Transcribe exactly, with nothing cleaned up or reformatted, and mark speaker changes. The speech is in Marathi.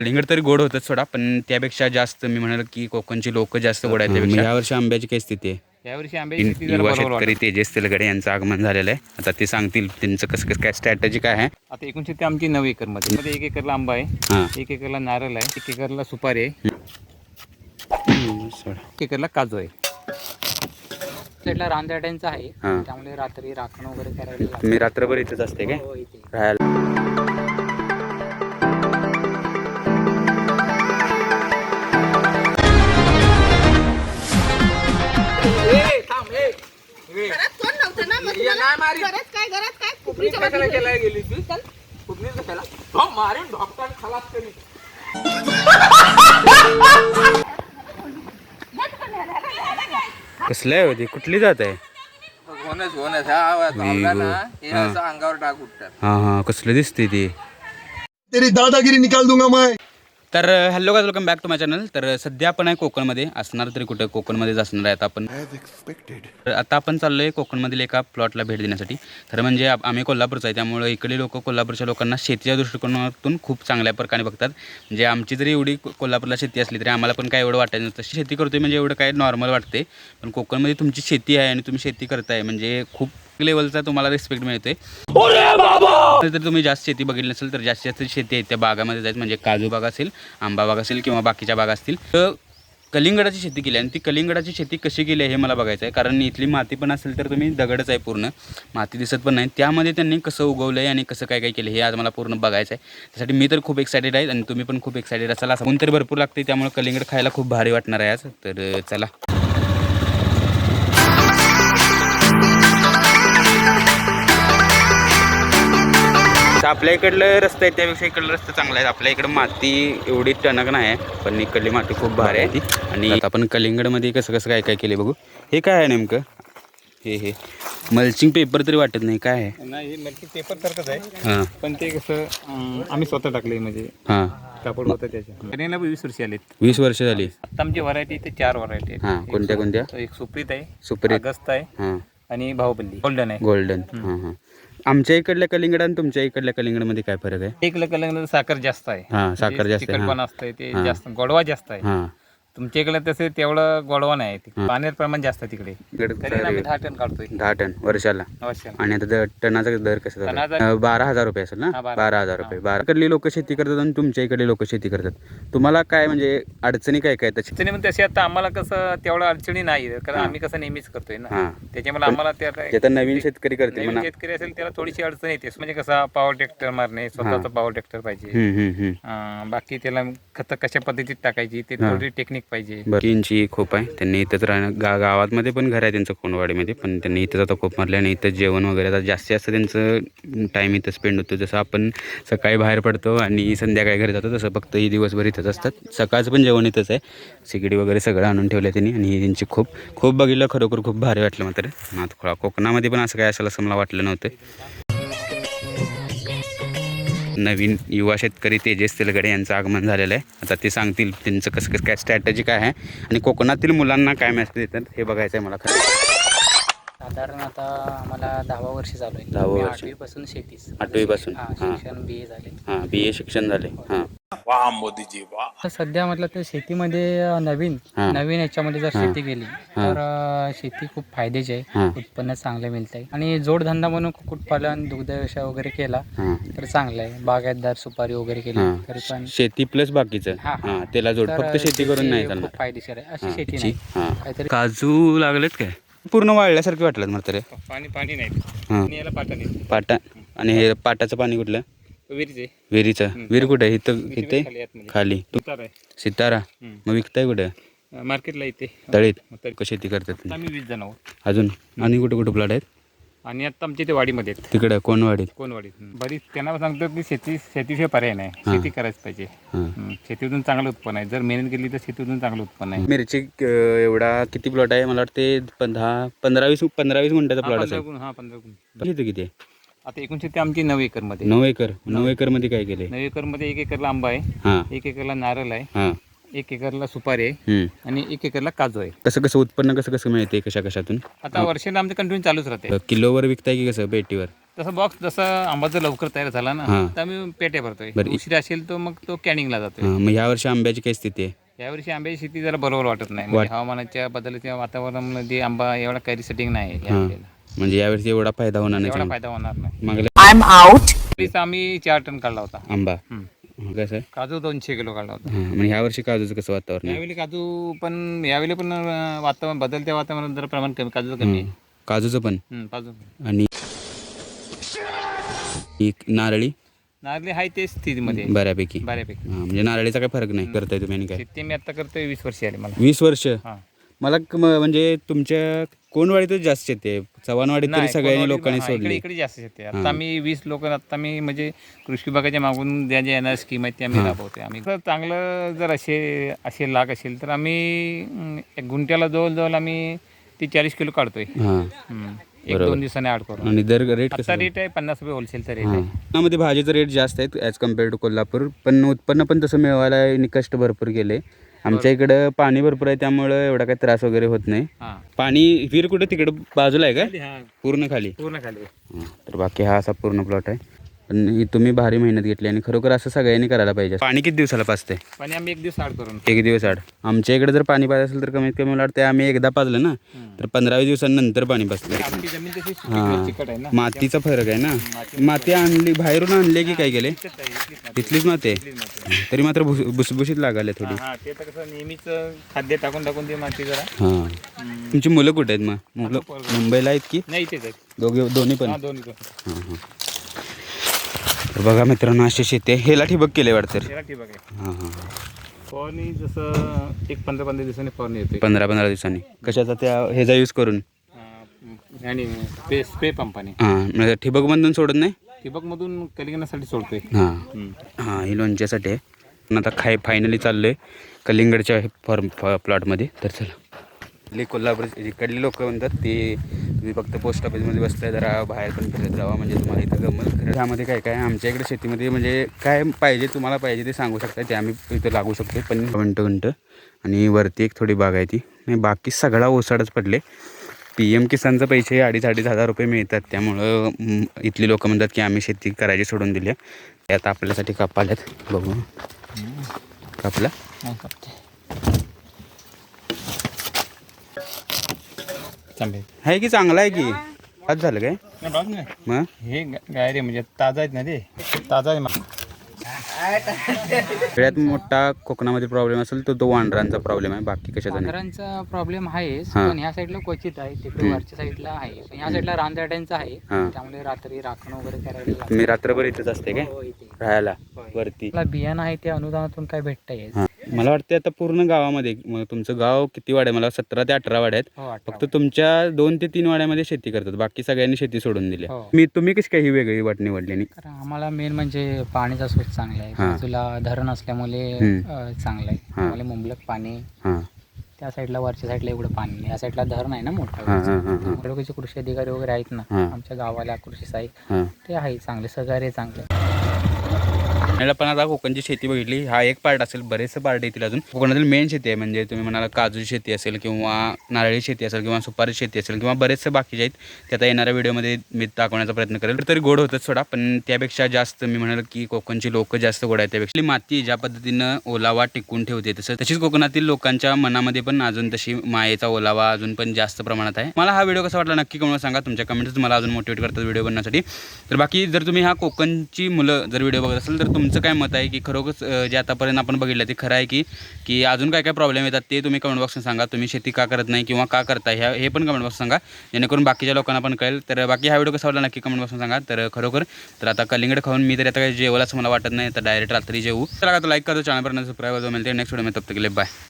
Speaker 1: कलिंगड तरी गोड होतच सोडा, पण त्यापेक्षा जास्त मी म्हणाल की कोकणची लोक जास्त गोड आहेत त्यापेक्षा. या वर्षी आंब्याची काय स्थिती आहे?
Speaker 2: यावर्षी आंब्याची स्थिती
Speaker 1: युवा शेतकरी तेजस तेलगडे यांचं आगमन झालेलं आहे. आता ते सांगतील त्यांचं कसं कसं काय स्ट्रॅटेजी काय आहे.
Speaker 2: आता एकूण शेती आमची नऊ एकर मध्ये मध्ये एक एकरला आंबा आहे,
Speaker 1: हां
Speaker 2: एक एकरला नारळ आहे, एक एकरला सुपारी आहे,
Speaker 1: सोडा.
Speaker 2: एक एकरला काजू आहे.
Speaker 3: साईडला रानदाट्यांचा आहे,
Speaker 1: हां
Speaker 3: त्यामुळे रात्री राखण वगैरे करायला लागतं.
Speaker 1: तुम्ही रात्रभर इथेच असते काय
Speaker 3: हो, इथे.
Speaker 1: राहायला? कसलं आहे होती? कुठली जात आहे?
Speaker 2: अंगावर टाक उठतात.
Speaker 1: हां हां कसलं दिसते ती?
Speaker 4: तेरी दादागिरी निकाल दूंगा मैं.
Speaker 1: तर hello guys, welcome back to my channel. तर सध्या आपण आहे कोकणमध्ये, असणार तरी कुठं कोकणमध्येच असणार आहे आता आपण. तर आता आपण चाललो आहे कोकणमधील एका प्लॉटला भेट देण्यासाठी. तर म्हणजे आप- आम्ही कोल्हापूरचं आहे, त्यामुळे इकडे लोक कोल्हापूरच्या लोकांना शेतीच्या दृष्टिकोनातून खूप चांगल्या प्रकारे बघतात. म्हणजे आमची जरी एवढी को- कोल्हापूरला शेती असली तरी आम्हाला पण काय एवढं वाटायचं नसतं. शेती करतोय म्हणजे एवढं काय नॉर्मल वाटते, पण कोकणमध्ये तुमची शेती आहे आणि तुम्ही शेती करताय म्हणजे खूप लेवलचा तुम्हाला रिस्पेक्ट मिळते. जर तुम्ही जास्त शेती बघितली नसेल तर जास्तीत जास्त शेती आहे त्या बागामध्ये जायचं, म्हणजे काजू बाग असेल, आंबा बाग असेल किंवा बाकीच्या बागा असतील. तर कलिंगडाची शेती केली आणि ती कलिंगडाची शेती कशी केली आहे हे मला बघायचं आहे. कारण इथली माती पण असेल तर तुम्ही दगडच आहे, पूर्ण माती दिसत पण नाही. त्यामध्ये त्यांनी कसं उगवलं आहे आणि कसं काय काय केलं हे आज मला पूर्ण बघायचं आहे. त्यासाठी मी तर खूप एक्सायटेड आहे आणि तुम्ही पण खूप एक्सायटेड असाल. असं ऊन तरी भरपूर लागते, त्यामुळे कलिंगड खायला खूप भारी वाटणार आहे आज. तर चला. आपल्या इकडलं रस्ता आहे त्यापेक्षा इकडलं रस्ता चांगला आहे. आपल्या इकडं माती एवढी टणक नाही आहे, पण इकडली माती खूप भारी आहे ती. आणि आता आपण कलिंगडमध्ये कसं कसं काय काय केले बघू. हे काय आहे नेमकं? हे हे मल्चिंग पेपर तरी वाटत नाही, काय आहे?
Speaker 2: नाही, मल्चिंग पेपर सारखंच आहे,
Speaker 1: हां
Speaker 2: पण ते कसं अं, आम्ही स्वतः टाकले, म्हणजे
Speaker 1: हां
Speaker 2: कापड होतं त्याच्या. कलिंगडला वीस वर्ष आलेत.
Speaker 1: वीस वर्ष झाली.
Speaker 2: आता आमची व्हरायटी इथे चार व्हरायटी आहेत.
Speaker 1: हां कोणत्या कोणत्या?
Speaker 2: तो एक सुप्रीत आहे,
Speaker 1: सुपरी.
Speaker 2: अगस्त आहे
Speaker 1: हां
Speaker 2: आणि बाहुबली गोल्डन आहे.
Speaker 1: गोल्डन. हां हां आमच्या इकडल्या कलिंगड आणि तुमच्या इकडल्या कलिंगडमध्ये काय फरक आहे?
Speaker 2: एक कलिंगड साखर जास्त आहे,
Speaker 1: हां साखर जास्त आहे.
Speaker 2: पण
Speaker 1: हां
Speaker 2: असतंय ते
Speaker 1: हां.
Speaker 2: जास्त, गोडवा जास्त आहे.
Speaker 1: हां
Speaker 2: तुमच्या इकडे तसे तेवढं गोडवा नाही,
Speaker 1: हां.
Speaker 2: पाण्यात प्रमाण जास्त आहे तिकडे. तरी आम्ही दहा टन काढतोय
Speaker 1: दहा टन वर्षाला.
Speaker 2: अवश्य.
Speaker 1: आणि आता दर टनाचा दर कसा
Speaker 2: टनाचा-
Speaker 1: झाला? बारा हजार रुपये असेल ना?
Speaker 2: हा, बारा.
Speaker 1: बारा हजार रुपये. बारा इकडली लोक शेती करतात आणि तुमच्या इकडे लोक शेती करतात. तुम्हाला काय म्हणजे अडचणी काय काय त्याची?
Speaker 2: अडचणी पण तशी आता आम्हाला कसं तेवढं अडचणी नाही, कारण
Speaker 1: हां.
Speaker 2: आम्ही कसं नेहमीच करतोय ना,
Speaker 1: हां
Speaker 2: त्याच्यामुळे आम्हाला त्याला
Speaker 1: जे तर नवीन शेतकरी करते
Speaker 2: नवीन
Speaker 1: म्हणा.
Speaker 2: शेतकरी असेल त्याला थोडीशी अडचण येते. म्हणजे कसा पॉवर ट्रॅक्टर मारणे, स्वतःचा पॉवर ट्रॅक्टर पाहिजे.
Speaker 1: हम्म, हम्म, हम्म.
Speaker 2: अं, बाकी त्याला खत कशा पद्धतीत टाकायची ते
Speaker 1: हां.
Speaker 2: थोडी टेक्निक पाहिजे.
Speaker 1: बरं इंची खूप आहे. त्यांनी इथंच राहणं गा गावामध्ये पण घर आहे त्यांचं कोणवाडीमध्ये, पण त्यांनी इथंच आता खूप मारले आणि इथं जेवण वगैरे आता जास्तीत जास्त त्यांचं टाईम इथं स्पेंड होतो. जसं आपण सकाळी बाहेर पडतो आणि संध्याकाळी घरी जातो तसं फक्त ही दिवसभर इथंच असतात. सकाळचं पण जेवण इथंच आहे. सिगडी वगैरे सगळं आणून ठेवलं त्यांनी आणि त्यांची खूप खूप बघितलं, खरोखर खूप भारी वाटलं मात्र. आता कोकणामध्ये पण असं काय असेल असं मला वाटलं नव्हतं. नवीन युवा शेतकरी तेजस तेलगडे यांचं आगमन झालेलं आहे. आता ते सांगतील त्यांचं कसं कसं काय स्ट्रॅटेजी काय आहे आणि कोकणातील मुलांना काय मेसेज देतात हे बघायचं आहे मला खरं.
Speaker 3: साधारण आता आम्हाला दहावा वर्ष चालू आहे.
Speaker 1: दहावं
Speaker 3: मी
Speaker 1: वर्ष.
Speaker 3: आठवी पासून शेतीच.
Speaker 1: आठवीपासून?
Speaker 3: हां,
Speaker 1: हां.
Speaker 3: शिक्षण बी ए झाले.
Speaker 1: हां बी ए शिक्षण झाले. हां
Speaker 3: तर सध्या म्हटलं तर शेतीमध्ये अं, नवीन
Speaker 1: हां.
Speaker 3: नवीन याच्यामध्ये जर
Speaker 1: हां.
Speaker 3: शेती केली
Speaker 1: हां.
Speaker 3: तर अं, शेती खूप फायद्याची आहे.
Speaker 1: हां
Speaker 3: उत्पन्न चांगलं मिळत आहे आणि जोडधंदा म्हणून कुक्कुटपालन, दुग्ध व्यवसाय वगैरे केला
Speaker 1: हां
Speaker 3: तर चांगलं आहे. बागायतदार, सुपारी वगैरे केली
Speaker 1: हां
Speaker 3: तरी पण
Speaker 1: शेती प्लस बाकीचं.
Speaker 3: हां, हां.
Speaker 1: हां त्याला जोड,
Speaker 3: तर
Speaker 1: फक्त शेती करून नाही
Speaker 3: शेती
Speaker 1: चालणार.
Speaker 3: खूप फायदेशीर आहे अशी
Speaker 1: हां,
Speaker 3: शेती
Speaker 1: त्याची-
Speaker 3: नाही.
Speaker 1: हां.
Speaker 3: काहीतरी
Speaker 1: काजू लागलेत काय? पूर्ण वाळल्यासारखे वाटलं म्हातारे.
Speaker 2: पाणी पाणी नाही
Speaker 1: हां
Speaker 2: आणि याला पाटा नाही.
Speaker 1: पाटा. आणि हे पाटाचं पाणी कुठलं?
Speaker 2: विहिरीचे
Speaker 1: विहिरीचं. विहीर कुठे आहे? इथं इथे
Speaker 2: खाली आतमध्ये.
Speaker 1: खाली. तू
Speaker 2: उतार आहे.
Speaker 1: सितारा.
Speaker 2: हम्म.
Speaker 1: मग विकताय कुठे?
Speaker 2: अं, मार्केटला येते.
Speaker 1: तळीत.
Speaker 2: मग तरी
Speaker 1: कशी शेती करतात तुम्ही?
Speaker 2: आम्ही वीस जण आहोत
Speaker 1: अजून आणि कुठे कुठे प्लॉट आहेत?
Speaker 2: आणि आता आमच्या इथे वाडीमध्ये आहेत.
Speaker 1: तिकडे कोणवाडीत?
Speaker 2: कोणवाडीत. बरीच त्यांना सांगतो की शेती शेतीशिवाय पर्याय नाही,
Speaker 1: हां.
Speaker 2: शेती करायच पाहिजे.
Speaker 1: हां
Speaker 2: हं, शेतीतून चांगलं उत्पन्न आहे. जर मेहनत केली तर शेतीतून चांगलं उत्पन्न आहे.
Speaker 1: मिरची अं, एवढा किती प्लॉट आहे? मला वाटते पण दहा पंधरा वीस पंधरा वीस गुंठ्याचा
Speaker 2: हा,
Speaker 1: प्लॉट
Speaker 2: पंधरा
Speaker 1: असेल.
Speaker 2: गुण- हा पंधरा गुण.
Speaker 1: किती किती आहे?
Speaker 2: आता एकूण शेती आमची नऊ एकर मध्ये.
Speaker 1: नऊ एकर. नऊ एकर मध्ये काय केलंय?
Speaker 2: नऊ एकर मध्ये एक एकरला आंबा आहे,
Speaker 1: हां
Speaker 2: एक एकरला नारळ आहे,
Speaker 1: हां
Speaker 2: एक एकरला सुपारी आहे
Speaker 1: हम्म.
Speaker 2: आणि एक एकरला काजू आहे.
Speaker 1: कसं कसं उत्पन्न कसं कसं मिळते कशा कशातून?
Speaker 2: आता वर्षाला आमचं कंटिन्यू चालूच राहते.
Speaker 1: किलोवर विकताय की कसं पेटीवर?
Speaker 2: तसं बॉक्स जसं आंबा जर लवकर तयार झाला ना
Speaker 1: हां.
Speaker 2: तर आम्ही पेट्या भरतोय.
Speaker 1: बरं.
Speaker 2: उशिरा असेल तर मग तो कॅनिंगला जातोय.
Speaker 1: हां, मग ह्या वर्षी आंब्याची काय स्थिती आहे?
Speaker 2: यावर्षी आंब्याची शेती जरा बरोबर वाटत नाही. म्हणजे हवामानाच्या बदलत्या वातावरणामध्ये आंबा एवढा काही सेटिंग नाही आहे
Speaker 1: हां,
Speaker 2: यावेळेला.
Speaker 1: म्हणजे यावर्षी एवढा फायदा होणार नाही
Speaker 2: एवढा
Speaker 1: चांगला.
Speaker 2: फायदा होणार नाही.
Speaker 1: मागल्या
Speaker 2: तरीच आम्ही चार टन काढला होता.
Speaker 1: आंबा
Speaker 2: हं.
Speaker 1: हं, कसं आहे?
Speaker 2: काजू दोनशे किलो काढला होता.
Speaker 1: हां, म्हणजे ह्या वर्षी काजूचं कसं वातावरण आहे?
Speaker 2: यावेळी काजू पण यावेळी पण अं, वातावरण बदलत्या वातावरणात जरा प्रमाण कमी काजूचं कमी आहे.
Speaker 1: हं, काजूचं पण
Speaker 2: हं, काजू
Speaker 1: आणि एक नारळी
Speaker 2: नारळी आहे तेच स्थितीमध्ये
Speaker 1: बऱ्यापैकी.
Speaker 2: बऱ्यापैकी.
Speaker 1: हां, म्हणजे नारळीचा काय फरक नाही करताय तुम्ही आणि काय?
Speaker 2: शेती मी आता करतोय वीस वर्ष आली मला.
Speaker 1: वीस वर्ष
Speaker 2: हां.
Speaker 1: मला क- म- म्हणजे तुमच्या कोणवाडीतच जास्त येते, चव्हाणवाडीत तरी
Speaker 2: नाही,
Speaker 1: सगळ्यांनी
Speaker 2: कोणवाडी-
Speaker 1: लोकांनी
Speaker 2: हां, इकडे
Speaker 1: सोडली.
Speaker 2: इकडे जास्त शेती आहे.
Speaker 1: हां.
Speaker 2: आता मी वीस लोक आता मी म्हणजे कृषी विभागाच्या मागून ज्या ज्या येणार स्कीम आहेत त्या आम्ही
Speaker 1: हां.
Speaker 2: राबवतोय. आम्ही जर चांगलं जर असे असे लाग असेल तर आम्ही अं, एक गुंठ्याला जवळजवळ आम्ही ती चाळीस किलो काढतोय.
Speaker 1: हां,
Speaker 2: हं. एक दोन दिवसाने आड करून.
Speaker 1: आणि दर रेट कसं
Speaker 2: आता रेट आहे पन्नास रुपये होलसेलचा रेट
Speaker 1: हां,
Speaker 2: आहे.
Speaker 1: पुण्यामध्ये भाजीचं रेट जास्त आहेत ॲज कम्पेअर टू कोल्हापूर, पण उत्पन्न पण तसं मिळवायला यांनी कष्ट भरपूर केले. आमच्या इकडं पाणी भरपूर आहे त्यामुळं एवढा काही त्रास वगैरे होत नाही.
Speaker 2: हां.
Speaker 1: पाणी विहीर कुठं तिकडं बाजूला आहे का?
Speaker 2: हां,
Speaker 1: पूर्ण खाली?
Speaker 2: पूर्ण खाली.
Speaker 1: हां, तर बाकी हा असा पूर्ण प्लॉट आहे. पण ही तुम्ही भारी मेहनत घेतली आणि खरोखर असं सगळ्यांनी करायला पाहिजे. पाणी किती दिवसाला पाजते?
Speaker 2: पाणी आम्ही एक दिवस आड करून.
Speaker 1: एक दिवस आड. आमच्या इकडे जर पाणी पाहिजे असेल तर कमीत कमी मला वाटतं आम्ही एकदा पाजलं ना तर पंधरावीस दिवसांनंतर पाणी पाजलं.
Speaker 2: आमची जमीन तशी
Speaker 1: हां,
Speaker 2: चिकट आहे ना.
Speaker 1: मातीचा फरक आहे ना. माती आणली बाहेरून आणली की काय केले?
Speaker 2: इथलीच आहे, इथलीच माती.
Speaker 1: तिथलीच माती आहे.
Speaker 2: इथलीच माती.
Speaker 1: तरी मात्र भुस भुसभुशीत लागायला थोडी.
Speaker 2: हां, ते तर कसं नेहमीच खाद्य टाकून टाकून ते माती जरा.
Speaker 1: हां,
Speaker 2: हं.
Speaker 1: तुमची मुलं कुठे आहेत मग? मुलं मुंबईला आहेत की
Speaker 2: नाही इथेच आहेत.
Speaker 1: दोघे दोन्ही पण?
Speaker 2: हां, दोन्ही पण.
Speaker 1: हां हां. तर बघा मित्रांनो अशी शेती आहे. हेला ठिबक केले वाटतं.
Speaker 2: तेरा ठिबक आहे.
Speaker 1: हां हां,
Speaker 2: फवारणी जसं एक पंधरा पंधरा दिवसांनी फवारणी येते.
Speaker 1: पंधरा पंधरा दिवसांनी कशाचा त्या ह्याचा यूज करून?
Speaker 2: आणि स्प्रे स्प्रे पंपाने.
Speaker 1: हां, म्हणजे ठिबकमधून सोडत नाही?
Speaker 2: ठिबकमधून कलिंगडासाठी सोडतोय.
Speaker 1: हां
Speaker 2: हं.
Speaker 1: हां, ही लोणच्यासाठी आहे. पण आता खाय फायनली चाललो आहे कलिंगडच्या फॉर्म प्लॉटमध्ये. तर चला इथले कोल्हापूर इकडले लोक म्हणतात ते तुम्ही फक्त पोस्ट ऑफिसमध्ये बसताय, जरा बाहेर पण फिरत जावा म्हणजे तुम्हाला इथं गमल. खरं ह्यामध्ये काय काय आमच्या इकडे शेतीमध्ये म्हणजे काय पाहिजे तुम्हाला पाहिजे ते सांगू शकता, ते आम्ही इथं लागू शकतो. पण घंट घंट आणि वरती एक थोडी बाग आहे ती, आणि बाकी सगळा ओसाडच पडले. पी एम किसानचं पैसे अडीच अडीच हजार रुपये मिळतात, त्यामुळं म, इथली लोक म्हणतात की आम्ही शेती करायची सोडून दिली. ते आता आपल्यासाठी कापाल्यात, बघू कापला.
Speaker 2: चांगले
Speaker 1: आहे की चांगला आहे की आज झालं काय
Speaker 2: नाही बाग नाही.
Speaker 1: मग?
Speaker 2: हे गा- गाय रे म्हणजे ताजा आहेत ना ते ताजा आहे मग.
Speaker 1: सगळ्यात मोठा कोकणामध्ये प्रॉब्लेम असेल तर तो वांढरांचा प्रॉब्लेम आहे, बाकी कशाचा नाही.
Speaker 3: वाघरांचा प्रॉब्लेम आहेच,
Speaker 1: हां.
Speaker 3: पण ह्या साईडला क्वचित आहे, तिकडे
Speaker 1: हं.
Speaker 3: वरच्या साईडला आहे, पण ह्या साईडला रानदाट्यांचा आहे.
Speaker 1: हां.
Speaker 3: त्यामुळे रात्री राखण वगैरे करायला लागतं.
Speaker 1: तुम्ही रात्रभर इथेच असते काय
Speaker 3: हो, इथे.
Speaker 1: राहायला
Speaker 3: होय.
Speaker 1: वरती?
Speaker 3: आपला बियाणं आहे ते अनुदानातून काय भेटता येईल.
Speaker 1: हां, मला वाटतं आता पूर्ण गावामध्ये मग तुमचं गाव किती वाड्या, मला सतरा ते अठरा वाड्या आहेत.
Speaker 3: हो, अठरा
Speaker 1: फक्त तुमच्या दोन ते तीन वाड्यामध्ये शेती करतात, बाकी सगळ्यांनी शेती सोडून दिली.
Speaker 3: हो.
Speaker 1: मी तुम्ही कशी काही ही वेगळी वाट निवडली नाही?
Speaker 3: कारण आम्हाला मेन म्हणजे पाणीचा सोर्स चांगला आहे,
Speaker 1: हां.
Speaker 3: बाजूला धरण असल्यामुळे
Speaker 1: हं.
Speaker 3: अ, चांगलं आहे.
Speaker 1: हां.
Speaker 3: आम्हाला मुबलक पाणी,
Speaker 1: हां
Speaker 3: त्या साईडला वरच्या साईडला एवढं पाणी नाही, या साईडला धरण आहे ना मोठं.
Speaker 1: हां हां हां हां
Speaker 3: तालुक्याचे कृषी अधिकारी वगैरे आहेत ना
Speaker 1: हां.
Speaker 3: आमच्या गावाला, कृषी सहाय्यक
Speaker 1: हां.
Speaker 3: ते आहे चांगले, सहकार्य चांगले.
Speaker 1: मला पण आता कोकणची शेती बघितली, हा एक पार्ट असेल, बरेचसे पार्ट येतील अजून. कोकणातील मेन शेती आहे म्हणजे तुम्ही म्हणाला काजूची शेती असेल किंवा नारळी शेती असेल किंवा सुपारी शेती असेल किंवा बरेचसे बाकीचे आहेत, ते आता येणाऱ्या व्हिडिओमध्ये मी दाखवण्याचा प्रयत्न करेल. तरी गोड होतच सोडा, पण त्यापेक्षा जास्त मी म्हणाल की कोकणची लोक जास्त गोड आहेत. त्यापेक्षा माती ज्या पद्धतीनं ओलावा टिकून ठेवते तसं तशीच कोकणातील लोकांच्या मनामध्ये पण अजून तशी मायेचा ओलावा अजून पण जास्त प्रमाणात आहे. मला हा व्हिडिओ कसा वाटला नक्की कमेंट सांगा, तुमच्या कमेंट्स मला अजून मोटिवेट करतात व्हिडिओ बनवण्यासाठी. तर बाकी जर तुम्ही हा कोकणची मुलं जर व्हिडिओ बघत असेल तर तुमचं काय मत आहे की खरोखर जे आतापर्यंत आपण बघितलं ते खरं आहे की की अजून काय काय प्रॉब्लेम येतात ते तुम्ही कमेंट बॉक्समध्ये सांगा. तुम्ही शेती का करत नाही किंवा का करताय ह्या हे पण कमेंट बॉक्स सांगा, जेणेकरून बाकीच्या लोकांना पण कळेल. तर बाकी हा व्हिडिओ कसा वाटला नक्की कमेंट बॉक्समध्ये सांगा. तर खरोखर तर आता कलिंगड खाऊन मी तरी आता काही जेवलं असं मला वाटत नाही, तर डायरेक्ट रात्री जेवू. तर आता लाईक करतो, चॅनलपर्यंत सबस्क्राईब मिळते नेक्स्ट व्हिडिओ में, तब तक के लिए बाय.